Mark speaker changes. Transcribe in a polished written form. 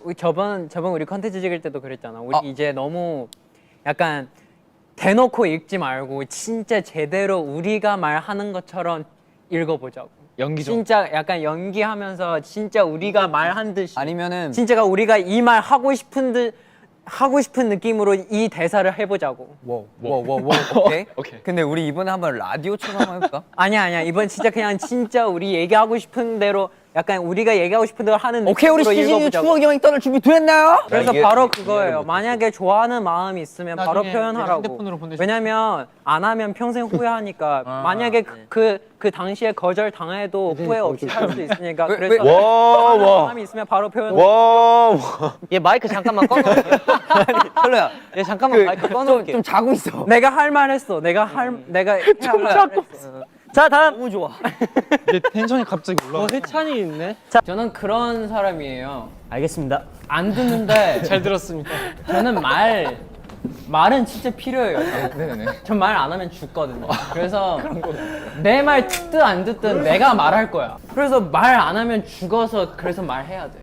Speaker 1: 저번 우리 컨텐츠 찍을 때도 그랬잖아. 우리
Speaker 2: 아.
Speaker 1: 이제 너무 약간 대놓고 읽지 말고 진짜 제대로 우리가 말하는 것처럼 읽어보자고.
Speaker 3: 연기 좀.
Speaker 1: 진짜 약간 연기하면서 진짜 우리가 말한 듯이
Speaker 2: 아니면은
Speaker 1: 진짜가 우리가 이 말 하고 싶은 느낌으로 이 대사를 해보자고.
Speaker 2: 워워워워 오케이?
Speaker 3: 오케이.
Speaker 2: 근데 우리 이번에 한번 라디오처럼 한번 해볼까?
Speaker 1: 아니야 이번 진짜 그냥 진짜 우리 얘기하고 싶은 대로 약간 우리가 얘기하고 싶은 대로 하는
Speaker 2: 오케이 우리
Speaker 1: 느낌으로
Speaker 2: 시즌
Speaker 1: 읽어보자고.
Speaker 2: 추억 여행 떠날 준비 됐나요?
Speaker 1: 그래서
Speaker 4: 이게
Speaker 1: 바로
Speaker 4: 이해를
Speaker 1: 그거예요.
Speaker 4: 못했어.
Speaker 1: 만약에 좋아하는 마음이 있으면 바로
Speaker 3: 나중에
Speaker 1: 표현하라고.
Speaker 3: 핸드폰으로 보내줄
Speaker 1: 왜냐면 안 하면 평생 후회하니까. 만약에 그 당시에 거절 당해도 후회 없이 살 수 있으니까.
Speaker 2: 왜,
Speaker 1: 그래서
Speaker 2: 왜?
Speaker 1: 좋아하는
Speaker 4: 와.
Speaker 1: 마음이 있으면 바로 표현.
Speaker 4: 와.
Speaker 3: 얘 마이크 잠깐만 꺼놓을게.
Speaker 2: 철로야
Speaker 3: 얘 잠깐만 마이크 꺼놓을게.
Speaker 2: 좀 자고 있어.
Speaker 1: 내가 할 말 했어. 내가 해야 할 말 했어.
Speaker 3: 자 다음.
Speaker 2: 너무 좋아.
Speaker 3: 얘 텐션이 갑자기 올라가. 해찬이 있네.
Speaker 1: 저는 그런 사람이에요.
Speaker 3: 알겠습니다.
Speaker 1: 안 듣는데
Speaker 3: 잘 들었습니다.
Speaker 1: 저는 말은 진짜 필요해요.
Speaker 2: 네네네.
Speaker 1: 전 말 안 하면 죽거든요. 그래서 내 말 듣든 안 듣든 내가 말할 거야. 그래서 말 안 하면 죽어서 그래서 말해야 돼.